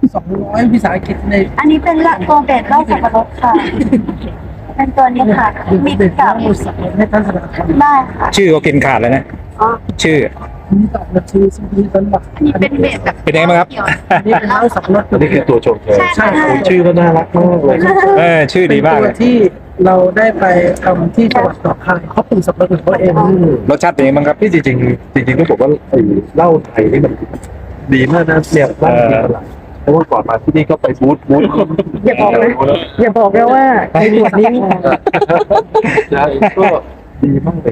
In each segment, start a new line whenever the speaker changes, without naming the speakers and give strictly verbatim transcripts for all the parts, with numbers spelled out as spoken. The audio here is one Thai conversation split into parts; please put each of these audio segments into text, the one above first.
สองร้อยวิสาหกิจใน
อันนี้เป็นละตัวเบ็ดเหล้าสับปะรดค่ะ เป็นตัวนี้ค่ะมิกซ์กับ
หมดสับให้ท่านสนับสนุน
ได้ค่ะ
ชื่อก็กินขาดแล้วนะ
อ๋อ
ชื่อ
นี่ต่อมาชื่อซิมีต้นแบบ
อันนี้เป็นเบ็ดแบบ
เป็นไงบ้างครับ
นี่เป็นเหล้าสับปะรด
อันนี้คือตัวชงเลย
ใช่
ใช่
ค่ะ
โอ้ชื่อก็น่ารักมากเลย
เออชื่อดีมาก
เป็น
เล
ตัวย ที่เราได้ไปทำที่จังหวัดหนองคายเขาปลูกสับปะรดของเขาเอง
รสชาติเป็นยังไงบ้างครับ
ที่จริงๆจริงๆต้องบอกว่าไอ้เหล้าไทยนี่มันดีมากนะเนี่ยเหล้าดีมาหลายเพราะว่าก่อนมาที่นี่ก็ไปบูธบูธ
อย่าบอกนะอย่าบอกนะว่าไอ้ขวดนี้
ใช่ก็ดีมากเลย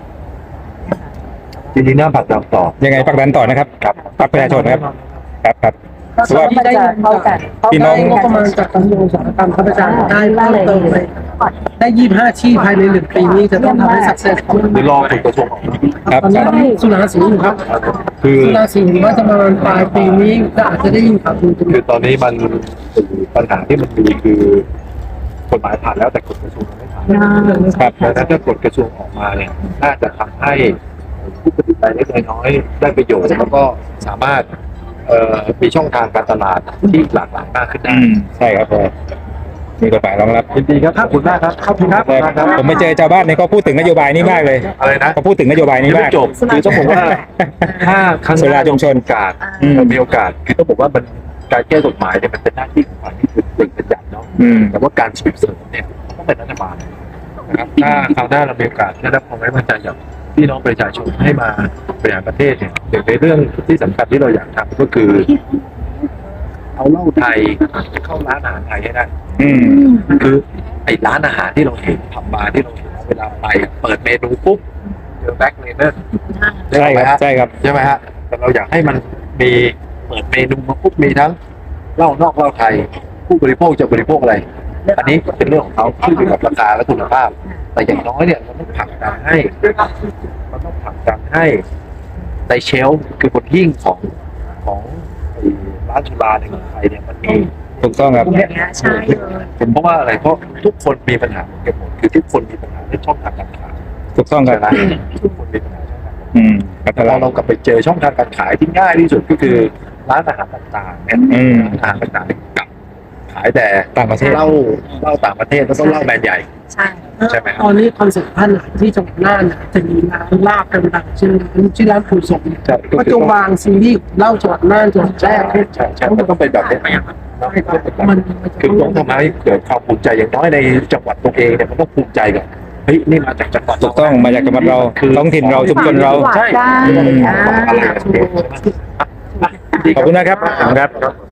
จริงๆหน้าผักดำต่อ
ยังไงปักดันต่อนะครับครับปักประชาชนนะครับครับครับ
เขา
ว่า
มาจากเขาจากเขา
พี่น้อง
ได้งบประมาณจากกระทรวงอุตสาหกรรมครับอาจารย์ได้เพิ่มเติมไปได้ยี่สิบห้าที่ภายในหนึ่งปีนี้จะต้องทำให้สักเซส
เดี๋ยวรอผลกระทรวงออกมา
ครับ
ตอนนี้ต้องสุราสีอยู่ครับ
คือ
สุราสีว่าจะประมาณปลายปีนี้ก็อาจจะได้ยินข่าวตรง
คือตอนนี้มันปัญหาที่มันมีคือกฎหมายผ่านแล้วแต่กฎกระทรวงยังไม่ผ่าน
ครับ
ดังนั้นถ้ากฎกระทรวงออกมาเนี่ยน่าจะทำให้ผู้ผลิตรายเล็กรายน้อยได้ประโยชน์แล้วก็สามารถเอ่อมีช่องทางการตลาดที่หลากหลายมากขึ้น
อื
ได้
มใช่ครับผมมีกฎหมายรองรับ
ยินดีครับขอบคุณมากครับขอบคุณครับ
ผมไปเจอชาวบ้านเนี่ยเขาพูดถึงนโยบายนี้มากเลย
อะไรนะ
เขาพูดถึงนโยบายนี้
ยังไม่
มาก
จบคือต้องบอกว่าถ้าครั้งห
สุ
น้า
ราชุมชน
โอกาส
อืม
มีโอกาสคือต้องบอกว่ามันการแก้กฎหมายเนี่ยมันเป็นหน้าที่ของฝ่ายที่เป็นเป็นประจัดเนาะ
อืม
แต่ว่าการส่งเสริมเนี่ยต้องเป็นรัฐบาลนะครับถ้าคราวหน้าเรามีโอกาสได้รับความไว้วางใจจากพี่น้องประชาชนให้มาบริหารประเทศเนี่ยหนึ่งในเรื่องที่สำคัญที่เราอยากทำก็คือ เอาเหล้าไทยเข้าร้านอาหารไทยให้ได้
อืม
คือไอ้ร้านอาหารที่เราเห็นผับบาร์ที่เราเห็นเวลาไปอะเปิดเมนูปุ๊บเจอแบ็คเลเนอร์
ใช่ครับใช่ครับ
ใช่ไหมฮะแต่เราอยากให้มันมีเปิดเมนูมาปุ๊บมีทั้งเหล้านอกเหล้าไทย ผู้บริโภคจะบริโภคอะไร อันนี้ก็เป็นเรื่องของเขาขึ้นอยู่กับราคาและคุณภาพ แต่อย่างน้อยเนี่ยมันต้องผลักดันให้มันต้องผลักดันให้ในเชลฟ์คือบนหิ้งของของไอ้ร้านสุราในเมืองไทยเนี่ยมันมี
ถูกต้องครับ
ใช่เลย
ผมเพราะว่าอะไรเพราะทุกคนมีปัญหาเหมือนกันหมดคือทุกคนมีปัญหาในช่องทางการขาย
ถูกต้องครับ
ใช่ไหมทุกคนมีปัญหาช่องทางการขาย
อืมครับ
แต่พอเรากลับไปเจอช่องทางการขายที่ง่ายที่สุดก็คือร้านอาหารต่างๆเนี่ย
อืม
ร้านอาหารต่างๆเนี่ยกลับขายแต่
ต่างประเทศ
เหล้าเหล้าต่างประเทศแล้วก็เหล้าแบรนด์ใหญ่
ใช่
ใช่ไหมครับ
ตอนนี้คอนเซ็ปต์ท่านอะที่จังหวัดน่านน่ะจะมีร้านลาบดังๆชื่อร้านชื่อร้านผูสม
ใช่
ก็จะวางซีรีส์เหล่าจังหวัดน่านจังหวัดแรกให้
ใช่ใช่มันต้องเป็นแบบนี้
ใช่ครับมันมันจะ
คือต้องทำให้เกิดความภูมิใจอย่างน้อยในจังหวัดตัวเองเนี่ยมันต้องภูมิใจก่อนเฮ้ยนี่มาจากจังหวัด
ถูกต้องมาจากจังหวัดเราท้องถิ่นเราชุมชนเรา
ใช่
ได้
อะไรแบบนี้
ขอบคุณนะครับขอบคุณครับ